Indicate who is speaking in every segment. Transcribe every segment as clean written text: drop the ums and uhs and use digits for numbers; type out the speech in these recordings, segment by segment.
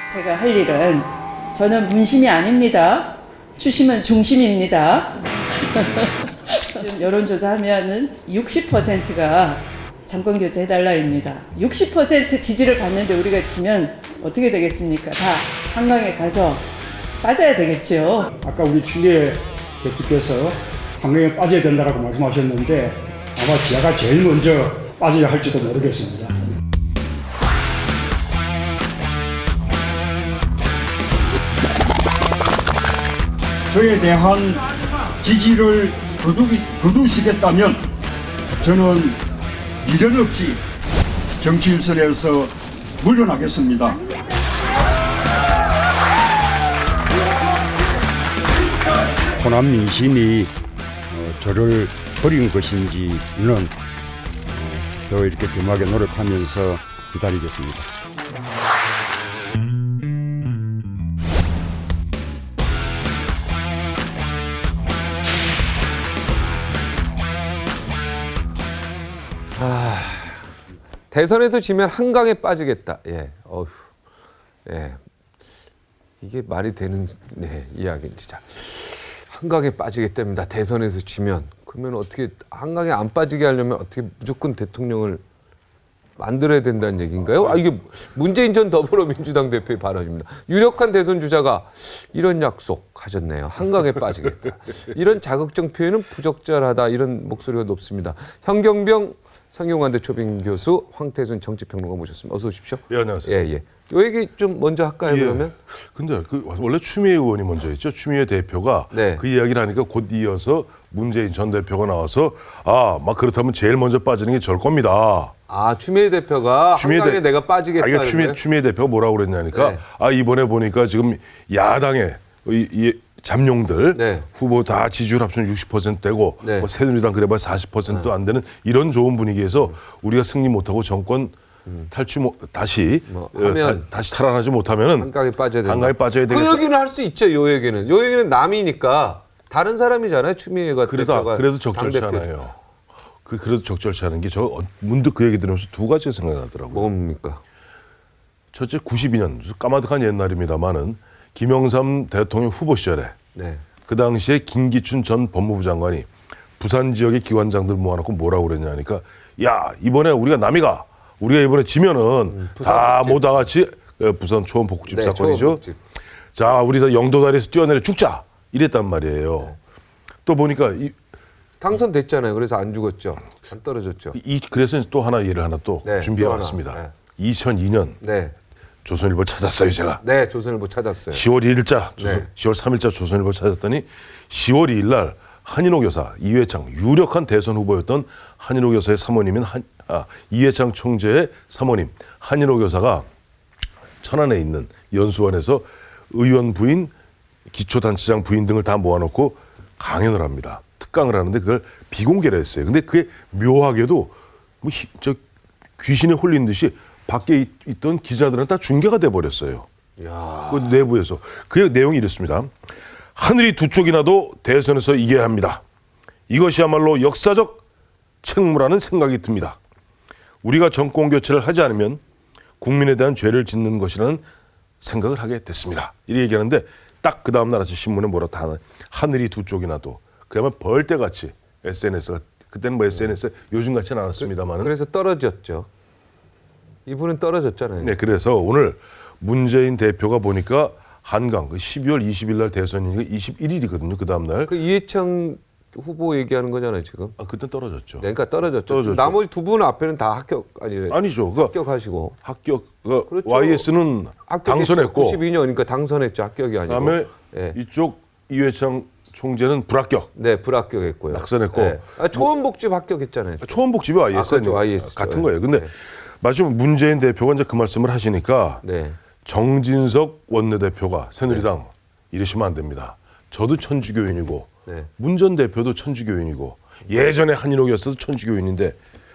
Speaker 1: 제가 할 일은 저는 문심이 아닙니다. 추심은 중심입니다. 지금 여론조사하면은 60%가 정권 교체해달라입니다. 60% 지지를 받는데 우리가 지면 어떻게 되겠습니까? 다 한강에 가서 빠져야 되겠죠.
Speaker 2: 아까 우리 추미애 대표께서 한강에 빠져야 된다고 말씀하셨는데 아마 지하가 제일 먼저 빠져야 할지도 모르겠습니다. 저에 대한 지지를 거두시겠다면 저는 미련 없이 정치 일선에서 물러나겠습니다. 호남 민심이 저를 버린 것인지는 더 이렇게 겸하게 노력하면서 기다리겠습니다.
Speaker 3: 대선에서 지면 한강에 빠지겠다. 예, 어휴, 예, 이게 말이 되는 이야기인지. 자, 한강에 빠지겠답니다. 대선에서 지면. 그러면 어떻게 한강에 안 빠지게 하려면 어떻게 무조건 대통령을 만들어야 된다는 얘기인가요? 이게 문재인 전 더불어민주당 대표의 발언입니다. 유력한 대선 주자가 이런 약속 하셨네요. 한강에 빠지겠다. 이런 자극적 표현은 부적절하다. 이런 목소리가 높습니다. 현경병 상경관대 초빙 교수, 황태순 정치평론가 모셨습니다. 어서 오십시오.
Speaker 4: 예, 안녕하세요.
Speaker 3: 예, 예. 요 얘기 좀 먼저 할까요, 그러면?
Speaker 4: 근데 원래 추미애 의원이 먼저 했죠. 추미애 대표가
Speaker 3: 네.
Speaker 4: 그 이야기를 하니까 곧 이어서 문재인 전 대표가 나와서 막 그렇다면 제일 먼저 빠지는 게 절 겁니다.
Speaker 3: 추미애 대표가 한강에 내가 빠지겠다.
Speaker 4: 그러니까 추미애 대표가 뭐라고 그랬냐니까
Speaker 3: 네.
Speaker 4: 이번에 보니까 지금 야당의 이 잠룡들
Speaker 3: 네.
Speaker 4: 후보 다 지지율 합치면 60%되고
Speaker 3: 네.
Speaker 4: 새누리당 그래봐야 40%도 안 되는 이런 좋은 분위기에서 우리가 승리 못하고 정권 탈취 다시 다시 탈환하지 못하면은
Speaker 3: 한강에 빠져야 된다.
Speaker 4: 한강에 빠져야 되겠다.
Speaker 3: 그 얘기는 할 수 있죠. 요 얘기는 남이니까 다른 사람이잖아요. 추미애가 대표가
Speaker 4: 그래도 적절치 않아요. 그래도 적절치 않은 게 저 문득 그 얘기 들으면서 두 가지가 생각이 나더라고요.
Speaker 3: 뭡니까?
Speaker 4: 첫째 92년 까마득한 옛날입니다만은 김영삼 대통령 후보 시절에
Speaker 3: 네.
Speaker 4: 그 당시에 김기춘 전 법무부 장관이 부산 지역의 기관장들 모아놓고 뭐라고 그랬냐니까 야 이번에 우리가 이번에 지면은 다 모두 다 같이 부산 초원복집 사건이죠.
Speaker 3: 초원복집.
Speaker 4: 자 우리 다 영도다리에서 뛰어내려 죽자 이랬단 말이에요.
Speaker 3: 네.
Speaker 4: 또 보니까
Speaker 3: 당선됐잖아요. 그래서 안 죽었죠. 안 떨어졌죠.
Speaker 4: 그래서 또 하나 예를 하나 또
Speaker 3: 네,
Speaker 4: 준비해
Speaker 3: 또
Speaker 4: 왔습니다.
Speaker 3: 하나.
Speaker 4: 2002년
Speaker 3: 네.
Speaker 4: 조선일보 찾았어요 제가.
Speaker 3: 네, 조선일보 찾았어요.
Speaker 4: 10월 1일자,
Speaker 3: 네.
Speaker 4: 10월 3일자 조선일보 찾았더니 10월 2일 날 한인호 교사 이회창 유력한 대선 후보였던 한인호 교사의 사모님인 이회창 총재의 사모님 한인호 교사가 천안에 있는 연수원에서 의원 부인, 기초단체장 부인 등을 다 모아놓고 강연을 합니다. 특강을 하는데 그걸 비공개로 했어요. 근데 그게 묘하게도 저 귀신에 홀린 듯이 밖에 있던 기자들은 다 중계가 돼버렸어요.
Speaker 3: 야.
Speaker 4: 그 내부에서. 그 내용이 이렇습니다. 하늘이 두 쪽이 나도 대선에서 이겨야 합니다. 이것이야말로 역사적 책무라는 생각이 듭니다. 우리가 정권 교체를 하지 않으면 국민에 대한 죄를 짓는 것이라는 생각을 하게 됐습니다. 이렇게 얘기하는데 딱 그 다음 날 아침 신문에 뭐라고 다 하늘이 두 쪽이 나도 그야말로 벌떼같이 SNS가 그때는 뭐 SNS 요즘 같지는 않았습니다만
Speaker 3: 그래서 떨어졌죠. 이분은 떨어졌잖아요.
Speaker 4: 네, 그래서 오늘 문재인 대표가 보니까 한강 12월 20일 날 대선이니까 21일이거든요. 그 다음 날.
Speaker 3: 그 이해창 후보 얘기하는 거잖아요, 지금.
Speaker 4: 그때 떨어졌죠.
Speaker 3: 네, 그러니까 떨어졌죠. 나머지 두 분은 앞에는 다
Speaker 4: 아니죠.
Speaker 3: 합격하시고.
Speaker 4: 그렇죠. YS는 당선했고
Speaker 3: 92년 그러니까 당선했죠. 합격이 아니고.
Speaker 4: 그다음에
Speaker 3: 네.
Speaker 4: 이쪽 이회창 총재는 불합격.
Speaker 3: 네, 불합격했고요.
Speaker 4: 낙선했고.
Speaker 3: 네. 초원복집 합격했잖아요.
Speaker 4: 초원복집이 YS
Speaker 3: 그렇죠. YS
Speaker 4: 같은 거예요. 근데 마침 문재인 대표가 이제 그 말씀을 하시니까
Speaker 3: 네.
Speaker 4: 정진석 원내대표가 새누리당 이러시면 안 됩니다. 저도 천주교인이고
Speaker 3: 네.
Speaker 4: 문 전 대표도 천주교인이고 예전에 한인옥이었어도 천주교인인데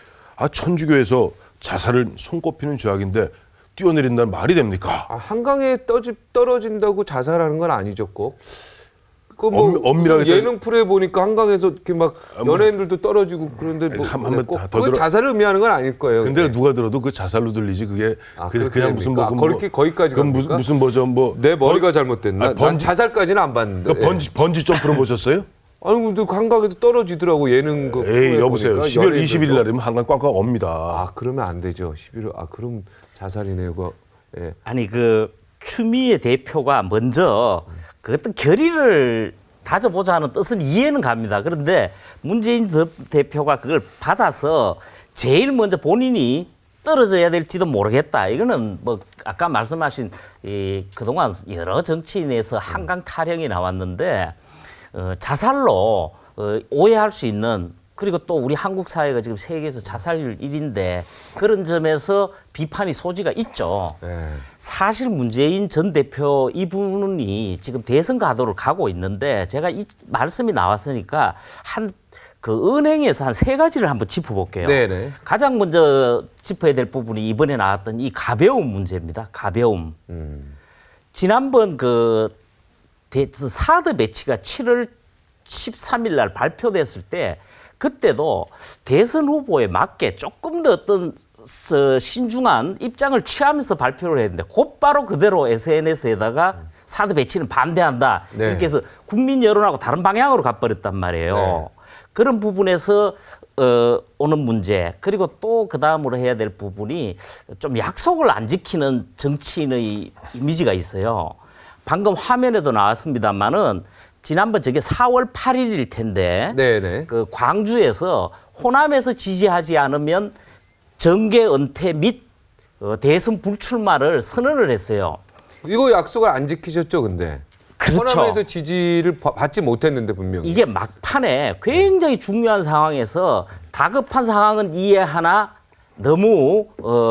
Speaker 4: 천주교에서 자살을 손꼽히는 죄악인데 뛰어내린다는 말이 됩니까?
Speaker 3: 한강에 떨어진다고 자살하는 건 아니죠, 꼭. 그뭐
Speaker 4: 엄밀하게
Speaker 3: 예능 프로에 보니까 한강에서 이렇게 막 연예인들도 떨어지고 그런데 뭐
Speaker 4: 한번
Speaker 3: 꼭
Speaker 4: 더
Speaker 3: 그건
Speaker 4: 들어-
Speaker 3: 자살을 의미하는 건 아닐 거예요.
Speaker 4: 근데 누가 들어도 그 자살로 들리지 그게 그냥 무슨 뭐
Speaker 3: 그렇게 거기까지
Speaker 4: 그건
Speaker 3: 갑니까?
Speaker 4: 무슨 뭐죠 뭐
Speaker 3: 내 머리가 잘못됐나?
Speaker 4: 아니,
Speaker 3: 난 자살까지는 안 봤는데.
Speaker 4: 그 번지 점프로 보셨어요?
Speaker 3: 아니 근데 한강에도 떨어지더라고 예능 그
Speaker 4: 에이
Speaker 3: 프로에
Speaker 4: 여보세요.
Speaker 3: 보니까
Speaker 4: 12월
Speaker 3: 연예인들도.
Speaker 4: 20일 날이면 한강 꽝꽝 옵니다.
Speaker 3: 아 그러면 안 되죠. 11월 그럼 자살이네요. 그거. 예.
Speaker 5: 아니 그 추미애 대표가 먼저 그 어떤 결의를 다져보자 하는 뜻은 이해는 갑니다. 그런데 문재인 대표가 그걸 받아서 제일 먼저 본인이 떨어져야 될지도 모르겠다. 이거는 뭐 아까 말씀하신 그동안 여러 정치인에서 한강 타령이 나왔는데 자살로 오해할 수 있는, 그리고 또 우리 한국 사회가 지금 세계에서 자살률 1위인데 그런 점에서 비판이 소지가 있죠.
Speaker 3: 예.
Speaker 5: 사실 문재인 전 대표 이분이 지금 대선 가도를 가고 있는데 제가 이 말씀이 나왔으니까 그 은행에서 한 3가지를 한번 짚어볼게요.
Speaker 3: 네네.
Speaker 5: 가장 먼저 짚어야 될 부분이 이번에 나왔던 이 가벼움 문제입니다. 가벼움. 지난번 그 사드 배치가 7월 13일 날 발표됐을 때 그때도 대선 후보에 맞게 조금 더 어떤 신중한 입장을 취하면서 발표를 했는데 곧바로 그대로 SNS에다가 사드 배치는 반대한다.
Speaker 3: 네.
Speaker 5: 이렇게 해서 국민 여론하고 다른 방향으로 가버렸단 말이에요.
Speaker 3: 네.
Speaker 5: 그런 부분에서 오는 문제, 그리고 또 그 다음으로 해야 될 부분이 좀 약속을 안 지키는 정치인의 이미지가 있어요. 방금 화면에도 나왔습니다만은 지난번 저게 4월 8일일 텐데
Speaker 3: 네네.
Speaker 5: 그 광주에서 호남에서 지지하지 않으면 정계 은퇴 및 대선 불출마를 선언을 했어요.
Speaker 3: 이거 약속을 안 지키셨죠, 근데.
Speaker 5: 그렇죠.
Speaker 3: 호남에서 지지를 받지 못했는데 분명히.
Speaker 5: 이게 막판에 굉장히 중요한 상황에서 다급한 상황은 이해하나 너무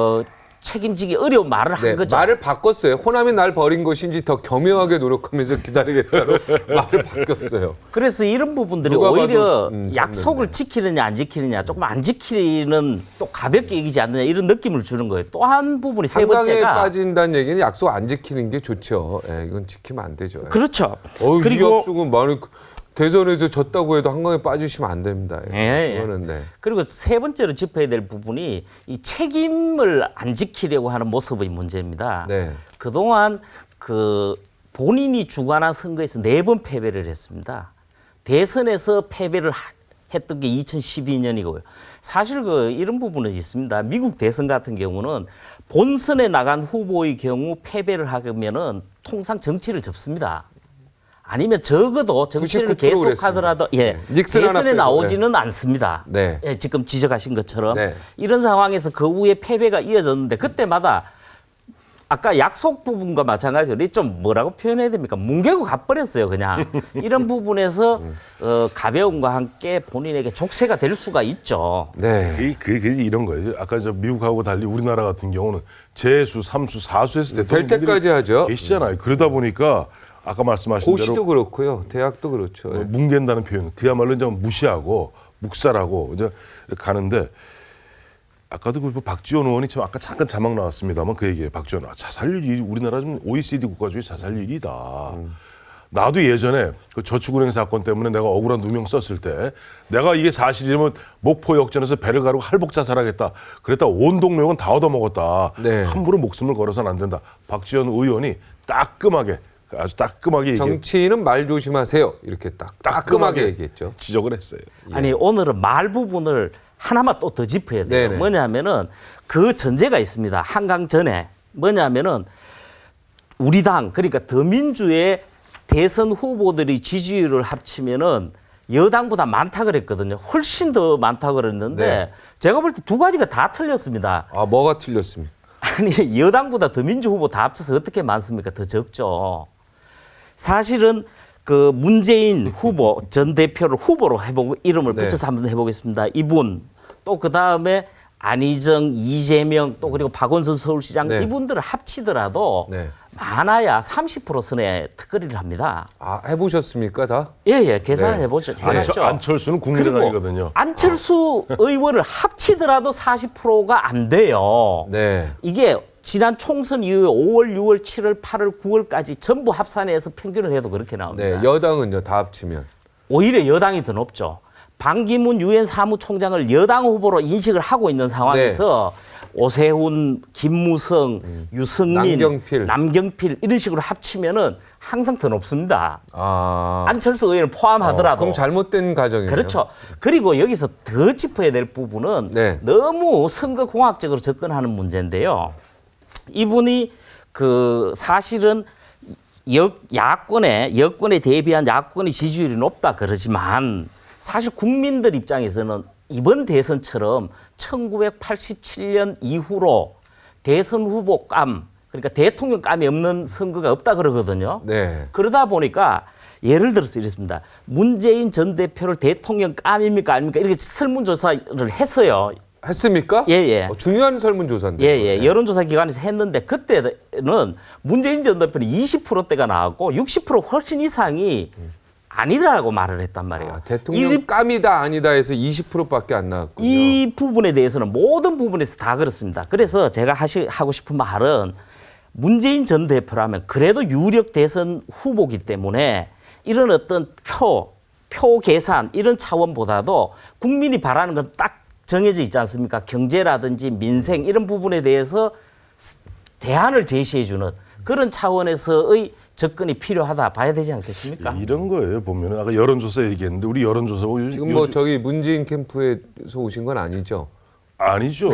Speaker 5: 책임지기 어려운 말을 한 거죠.
Speaker 3: 말을 바꿨어요. 호남이 날 버린 것인지 더 겸허하게 노력하면서 기다리겠다로 말을 바꿨어요.
Speaker 5: 그래서 이런 부분들이
Speaker 3: 누가
Speaker 5: 오히려
Speaker 3: 봐도,
Speaker 5: 약속을 지키느냐 안 지키느냐, 조금 안 지키는 또 가볍게 이기지 않느냐 이런 느낌을 주는 거예요. 또 한 부분이 세
Speaker 3: 한강에
Speaker 5: 번째가
Speaker 3: 빠진다는 얘기는 약속 안 지키는 게 좋죠. 예, 이건 지키면 안 되죠. 예.
Speaker 5: 그렇죠.
Speaker 3: 이
Speaker 5: 그리고
Speaker 3: 약속은 많이 대선에서 졌다고 해도 한강에 빠지시면 안 됩니다.
Speaker 5: 예.
Speaker 3: 그거는 네.
Speaker 5: 그리고 세 번째로 짚어야 될 부분이 이 책임을 안 지키려고 하는 모습의 문제입니다.
Speaker 3: 네.
Speaker 5: 그동안 그 본인이 주관한 선거에서 4번 패배를 했습니다. 대선에서 패배를 했던 게 2012년이고요. 사실 그 이런 부분은 있습니다. 미국 대선 같은 경우는 본선에 나간 후보의 경우 패배를 하면은 통상 정치를 접습니다. 아니면 적어도 정치를
Speaker 3: 99%
Speaker 5: 계속하더라도
Speaker 3: 그랬습니다. 네. 닉슨 하나
Speaker 5: 대선에
Speaker 3: 빼고,
Speaker 5: 나오지는 않습니다.
Speaker 3: 네.
Speaker 5: 예, 지금 지적하신 것처럼
Speaker 3: 네.
Speaker 5: 이런 상황에서 그 후에 패배가 이어졌는데 그때마다 아까 약속 부분과 마찬가지로 좀 뭐라고 표현해야 됩니까? 뭉개고 가버렸어요, 그냥. 이런 부분에서 가벼움과 함께 본인에게 족쇄가 될 수가 있죠.
Speaker 3: 네.
Speaker 4: 그게 이런 거예요. 아까 저 미국하고 달리 우리나라 같은 경우는 재수, 3수, 4수에서
Speaker 3: 될
Speaker 4: 대통령들이
Speaker 3: 때까지 하죠.
Speaker 4: 계시잖아요. 그러다 보니까 아까 말씀하신
Speaker 3: 고시도
Speaker 4: 대로
Speaker 3: 그렇고요. 대학도 그렇죠. 예.
Speaker 4: 뭉갠다는 표현, 그야말로 이제 무시하고 묵살하고 이제 가는데 아까도 그 박지원 의원이 참 아까 잠깐 자막 나왔습니다만 그 얘기예요. 박지원, 자살률이 우리나라 좀 OECD 국가 중에 자살률이다. 나도 예전에 그 저축은행 사건 때문에 내가 억울한 누명 썼을 때 내가 이게 사실이면 목포 역전에서 배를 가르고 할복 자살하겠다. 그랬다 온 동료는 다 얻어먹었다.
Speaker 3: 네.
Speaker 4: 함부로 목숨을 걸어서는 안 된다. 박지원 의원이 따끔하게 아주 따끔하게
Speaker 3: 정치인은 말 조심하세요. 이렇게 따끔하게 얘기했죠.
Speaker 4: 지적을 했어요.
Speaker 5: 아니 오늘은 말 부분을 하나만 또 더 짚어야 돼요.
Speaker 3: 네네.
Speaker 5: 뭐냐면은 그 전제가 있습니다. 한강 전에 뭐냐면은 우리 당, 그러니까 더민주의 대선 후보들이 지지율을 합치면은 여당보다 많다 그랬거든요. 훨씬 더 많다 그랬는데
Speaker 3: 네.
Speaker 5: 제가 볼 때 2가지가 다 틀렸습니다.
Speaker 3: 아, 뭐가 틀렸습니까?
Speaker 5: 아니 여당보다 더민주 후보 다 합쳐서 어떻게 많습니까? 더 적죠. 사실은 그 문재인 후보 전 대표를 후보로 해보고 이름을
Speaker 3: 네.
Speaker 5: 붙여서 한번 해보겠습니다. 이분 또 그 다음에 안희정, 이재명 또 그리고 박원순 서울시장
Speaker 3: 네.
Speaker 5: 이분들을 합치더라도
Speaker 3: 네.
Speaker 5: 많아야 30% 선의 특거리를 합니다.
Speaker 3: 아, 해보셨습니까, 다?
Speaker 5: 예예 계산을
Speaker 3: 네.
Speaker 5: 해봤죠.
Speaker 4: 안철수는 국민의당이거든요.
Speaker 5: 안철수 의원을 합치더라도 40%가 안 돼요.
Speaker 3: 네.
Speaker 5: 이게 지난 총선 이후에 5월, 6월, 7월, 8월, 9월까지 전부 합산해서 평균을 해도 그렇게 나옵니다.
Speaker 3: 네, 여당은요 다 합치면
Speaker 5: 오히려 여당이 더 높죠. 반기문 유엔 사무총장을 여당 후보로 인식을 하고 있는 상황에서 오세훈, 김무성, 유승민, 남경필 이런 식으로 합치면은 항상 더 높습니다. 안철수 의원을 포함하더라도.
Speaker 3: 그럼 잘못된 가정이네요.
Speaker 5: 그렇죠. 그리고 여기서 더 짚어야 될 부분은
Speaker 3: 네.
Speaker 5: 너무 선거공학적으로 접근하는 문제인데요. 이분이 그 사실은 여권에 대비한 야권의 지지율이 높다 그러지만 사실 국민들 입장에서는 이번 대선처럼 1987년 이후로 대선 후보감, 그러니까 대통령감이 없는 선거가 없다 그러거든요.
Speaker 3: 네.
Speaker 5: 그러다 보니까 예를 들어서 이랬습니다. 문재인 전 대표를 대통령감입니까 아닙니까? 이렇게 설문조사를 했어요.
Speaker 3: 했습니까?
Speaker 5: 예.
Speaker 3: 중요한 설문조사인데.
Speaker 5: 예. 여론조사 기관에서 했는데 그때는 문재인 전 대표는 20%대가 나왔고 60% 훨씬 이상이 아니라고 말을 했단 말이에요.
Speaker 3: 대통령감이다 아니다 해서 20%밖에 안 나왔군요.
Speaker 5: 이 부분에 대해서는 모든 부분에서 다 그렇습니다. 그래서 제가 하고 싶은 말은 문재인 전 대표라면 그래도 유력 대선 후보기 때문에 이런 어떤 표 계산 이런 차원보다도 국민이 바라는 건 딱 정해져 있지 않습니까? 경제라든지 민생 이런 부분에 대해서 대안을 제시해주는 그런 차원에서의 접근이 필요하다 봐야 되지 않겠습니까?
Speaker 4: 이런 거예요. 보면 아까 여론조사 얘기했는데 우리 여론조사
Speaker 3: 지금 뭐 저기 문재인 캠프에서 오신 건 아니죠?
Speaker 4: 아니죠.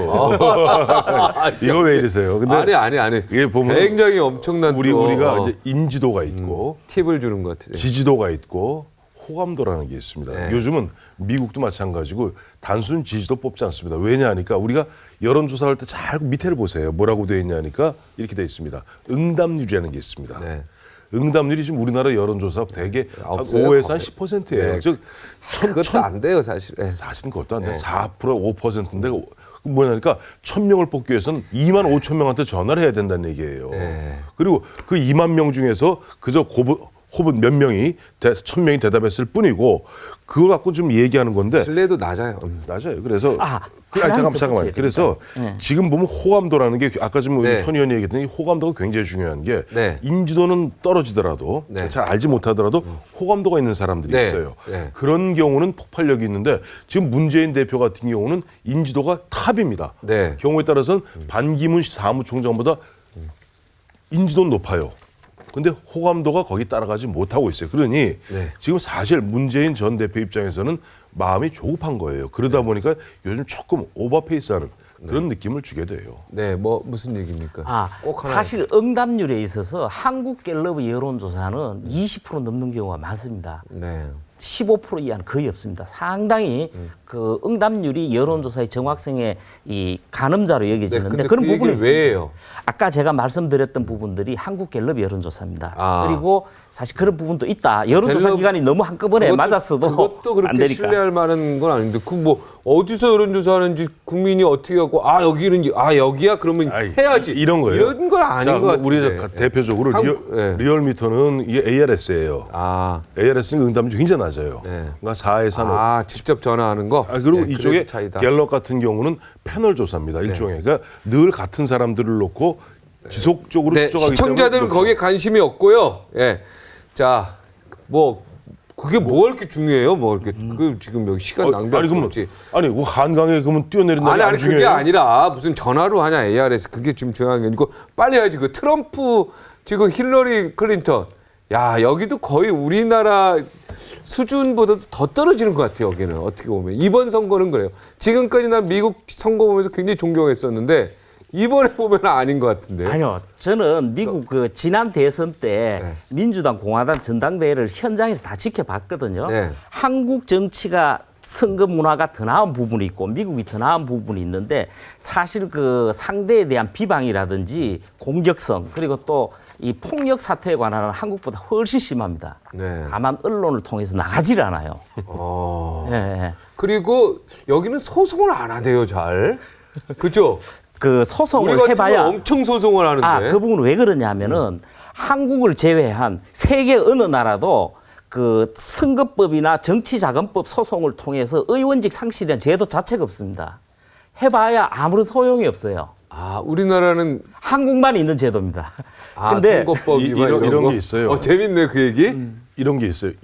Speaker 4: 이거 왜 이러세요? 근데
Speaker 3: 아니.
Speaker 4: 이게 보면
Speaker 3: 굉장히 엄청난
Speaker 4: 우리가 이제 인지도가 있고
Speaker 3: 팁을 주는 것 같아요.
Speaker 4: 지지도가 있고 호감도라는 게 있습니다.
Speaker 3: 네.
Speaker 4: 요즘은 미국도 마찬가지고 단순 지지도 뽑지 않습니다. 왜냐 하니까 우리가 여론조사할 때 잘 밑에를 보세요. 뭐라고 되어 있냐 하니까 이렇게 되어 있습니다. 응답률이라는 게 있습니다.
Speaker 3: 네.
Speaker 4: 응답률이 지금 우리나라 여론조사 대개
Speaker 3: 없어요?
Speaker 4: 5에서 한 10%예요.
Speaker 3: 네.
Speaker 4: 즉
Speaker 3: 그것도 안 돼요, 사실. 네.
Speaker 4: 사실은 그것도 안 돼. 4%, 5%인데 뭐냐니까 1,000명을 뽑기 위해서는 2만 5천 명한테 전화를 해야 된다는 얘기예요.
Speaker 3: 네.
Speaker 4: 그리고 그 2만 명 중에서 그저 호분 몇 명이 1,000명이 대답했을 뿐이고 그걸 갖고 좀 얘기하는 건데
Speaker 3: 신뢰도 낮아요.
Speaker 4: 낮아요. 그래서
Speaker 5: 하나만 더
Speaker 4: 잠깐만요. 그래서
Speaker 5: 네.
Speaker 4: 지금 보면 호감도라는 게 아까 좀
Speaker 3: 네.
Speaker 4: 현 의원이 얘기했더니 호감도가 굉장히 중요한 게
Speaker 3: 네.
Speaker 4: 인지도는 떨어지더라도
Speaker 3: 네.
Speaker 4: 잘 알지 못하더라도 호감도가 있는 사람들이
Speaker 3: 네.
Speaker 4: 있어요.
Speaker 3: 네.
Speaker 4: 그런 경우는 폭발력이 있는데 지금 문재인 대표 같은 경우는 인지도가 탑입니다.
Speaker 3: 네.
Speaker 4: 경우에 따라서는 반기문 사무총장보다 인지도는 높아요. 근데 호감도가 거기 따라가지 못하고 있어요. 그러니
Speaker 3: 네.
Speaker 4: 지금 사실 문재인 전 대표 입장에서는 마음이 조급한 거예요. 그러다 보니까 요즘 조금 오버페이스하는 그런 느낌을 주게 돼요.
Speaker 3: 네, 뭐 무슨 얘기입니까? 꼭 하나.
Speaker 5: 사실 응답률에 있어서 한국갤럽의 여론조사는 20% 넘는 경우가 많습니다.
Speaker 3: 네.
Speaker 5: 15% 이하는 거의 없습니다. 상당히 그 응답률이 여론조사의 정확성의 이 가늠자로 여겨지는데
Speaker 3: 근데
Speaker 5: 그런
Speaker 3: 그
Speaker 5: 부분이
Speaker 3: 얘기를 왜 해요?
Speaker 5: 아까 제가 말씀드렸던 부분들이 한국갤럽 여론조사입니다.
Speaker 3: 아.
Speaker 5: 그리고 사실 그런 부분도 있다. 여론조사
Speaker 3: 갤럽
Speaker 5: 기관이 너무 한꺼번에 맞았어도
Speaker 3: 그것도
Speaker 5: 안
Speaker 3: 그렇게
Speaker 5: 되니까.
Speaker 3: 신뢰할 만한 건 아닌데 그 뭐 어디서 여론조사하는지 국민이 어떻게 하고 여기는 여기야 그러면
Speaker 4: 아이,
Speaker 3: 해야지
Speaker 4: 이런 거예요.
Speaker 3: 이런 건 아닌 것 같은데.
Speaker 4: 우리가 대표적으로
Speaker 3: 네.
Speaker 4: 리얼미터는 이게 ARS예요. ARS는 응답률이 굉장히 낮아요.
Speaker 3: 네.
Speaker 4: 그러니까 4에서 한 5.
Speaker 3: 직접 전화하는 거.
Speaker 4: 그리고
Speaker 3: 네,
Speaker 4: 이쪽에
Speaker 3: 그래서 차이다.
Speaker 4: 갤럽 같은 경우는 패널 조사입니다. 일종의. 그러니까 늘 같은 사람들을 놓고 지속적으로
Speaker 3: 네,
Speaker 4: 추적하기
Speaker 3: 시청자들은
Speaker 4: 때문에 그렇죠.
Speaker 3: 거기에 관심이 없고요. 예. 자, 뭐 그게 뭐가 이렇게 중요해요? 뭐 이렇게 그 지금 여기 시간 낭비할 거 없지.
Speaker 4: 아니 뭐 한강에 그러면 뛰어내린다는 게
Speaker 3: 아니
Speaker 4: 안 중요해요?
Speaker 3: 그게 아니라 무슨 전화로 하냐 ARS 그게 지금 중요한 게 아니고 빨리 해야지. 그 트럼프 지금 힐러리 클린턴 야 여기도 거의 우리나라 수준보다도 더 떨어지는 것 같아요. 여기는 어떻게 보면 이번 선거는 그래요. 지금까지 난 미국 선거 보면서 굉장히 존경했었는데 이번에 보면 아닌 것 같은데.
Speaker 5: 아니요. 저는 미국 그 지난 대선 때
Speaker 3: 네.
Speaker 5: 민주당 공화당 전당대회를 현장에서 다 지켜봤거든요.
Speaker 3: 네.
Speaker 5: 한국 정치가 선거 문화가 더 나은 부분이 있고 미국이 더 나은 부분이 있는데 사실 그 상대에 대한 비방이라든지 공격성 그리고 또 이 폭력 사태에 관한 한국보다 훨씬 심합니다.
Speaker 3: 네.
Speaker 5: 다만 언론을 통해서 나가질 않아요. 네.
Speaker 3: 그리고 여기는 소송을 안 하대요, 잘. 그죠?
Speaker 5: 그 소송을
Speaker 3: 우리 같은
Speaker 5: 해봐야
Speaker 3: 건 엄청 소송을 하는데.
Speaker 5: 그 부분은 왜 그러냐면은 한국을 제외한 세계 어느 나라도 그 선거법이나 정치자금법 소송을 통해서 의원직 상실이라는 제도 자체가 없습니다. 해봐야 아무런 소용이 없어요.
Speaker 3: 아, 우리나라는
Speaker 5: 한국만 있는 제도입니다.
Speaker 3: 아,
Speaker 5: 근데
Speaker 3: 선거법
Speaker 4: 이-
Speaker 3: 위반
Speaker 4: 이런
Speaker 3: 거?
Speaker 4: 게 있어요.
Speaker 3: 재밌네 그 얘기.
Speaker 4: 이런 게 있어요.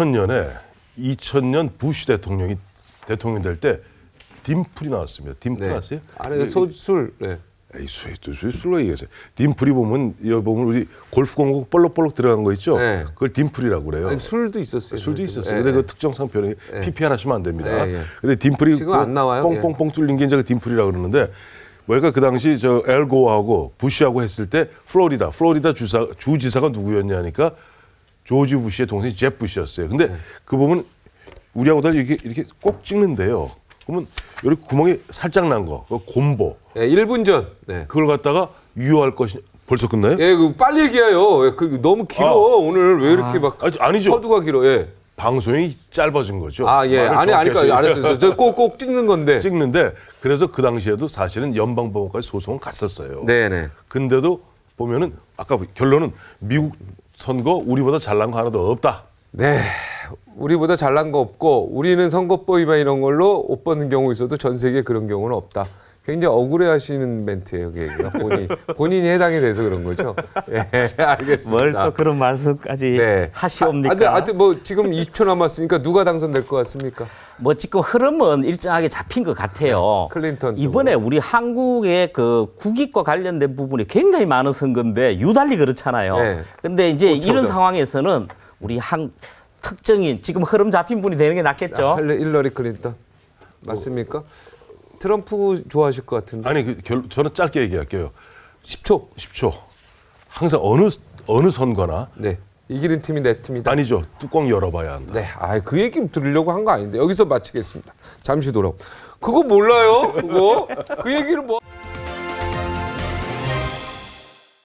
Speaker 4: 2000년 부시 대통령 될 때 딤플이 나왔습니다. 딤플
Speaker 3: 네.
Speaker 4: 아세요?
Speaker 3: 아래 소술. 네.
Speaker 4: 에이, 술로 얘기하세요. 딤플이 보면 여기 보면 우리 골프 공구 볼록볼록 들어간 거 있죠?
Speaker 3: 네.
Speaker 4: 그걸 딤플이라고 그래요.
Speaker 3: 아니, 술도 있었어요.
Speaker 4: 술도 있었어요.
Speaker 3: 예,
Speaker 4: 근데
Speaker 3: 예.
Speaker 4: 그 특정 상표는 PP 하시면 안 됩니다.
Speaker 3: 예, 예.
Speaker 4: 근데 딤플이
Speaker 3: 지금 안 나와요?
Speaker 4: 뽕뽕뽕 뚫린 게 이제 그 딤플이라고 그러는데 뭐랄까 그 당시 저 엘고하고 부시하고 했을 때 플로리다 주지사가 누구였냐니까 조지 부시의 동생이 잽 부시였어요. 근데
Speaker 3: 네.
Speaker 4: 그 보면 우리하고 달리 이렇게 꼭 찍는데요. 그러면 여기 구멍이 살짝 난 거, 그 곰보
Speaker 3: 예, 1분 전. 네.
Speaker 4: 그걸 갖다가 유효할 것이 벌써 끝나요?
Speaker 3: 예, 그 빨리 얘기해요. 예, 그 너무 길어.
Speaker 4: 아.
Speaker 3: 오늘 왜 이렇게 막
Speaker 4: 아니죠.
Speaker 3: 서두가 길어. 예.
Speaker 4: 방송이 짧아진 거죠.
Speaker 3: 아, 예.
Speaker 4: 말을
Speaker 3: 아니,
Speaker 4: 정확히
Speaker 3: 아니까
Speaker 4: 하시니까.
Speaker 3: 알았어요. 저 꼭 찍는 건데.
Speaker 4: 찍는데 그래서 그 당시에도 사실은 연방법원까지 소송은 갔었어요.
Speaker 3: 네, 네.
Speaker 4: 근데도 보면은 아까 결론은 미국 선거 우리보다 잘난 거 하나도 없다.
Speaker 3: 네. 우리보다 잘난 거 없고 우리는 선거법 위반 이런 걸로 옷 벗는 경우 있어도 전 세계에 그런 경우는 없다. 굉장히 억울해하시는 멘트예요, 그 얘기가. 본인이 해당이 돼서 그런 거죠. 예, 알겠습니다.
Speaker 5: 뭘 또 그런 말씀까지
Speaker 3: 네.
Speaker 5: 하시옵니까?
Speaker 3: 하여튼 뭐 지금 20초 남았으니까 누가 당선될 것 같습니까?
Speaker 5: 뭐 지금 흐름은 일정하게 잡힌 것 같아요.
Speaker 3: 클린턴
Speaker 5: 이번에
Speaker 3: 쪽으로.
Speaker 5: 우리 한국의 그 국익과 관련된 부분이 굉장히 많은 선거인데 유달리 그렇잖아요.
Speaker 3: 네.
Speaker 5: 근데 이제
Speaker 3: 그렇죠.
Speaker 5: 이런 상황에서는 우리 한 특정인 지금 흐름 잡힌 분이 되는 게 낫겠죠.
Speaker 3: 힐러리 클린턴 맞습니까? 트럼프 좋아하실 것 같은데.
Speaker 4: 아니 저는 짧게 얘기할게요.
Speaker 3: 10초.
Speaker 4: 10초. 항상 어느 선거나
Speaker 3: 네. 이기는 팀이 내 팀이다.
Speaker 4: 아니죠. 뚜껑 열어봐야 한다.
Speaker 3: 네. 그 얘기 들으려고 한 거 아닌데 여기서 마치겠습니다. 잠시 돌아. 그거 몰라요? 그거? 그 얘기를 뭐?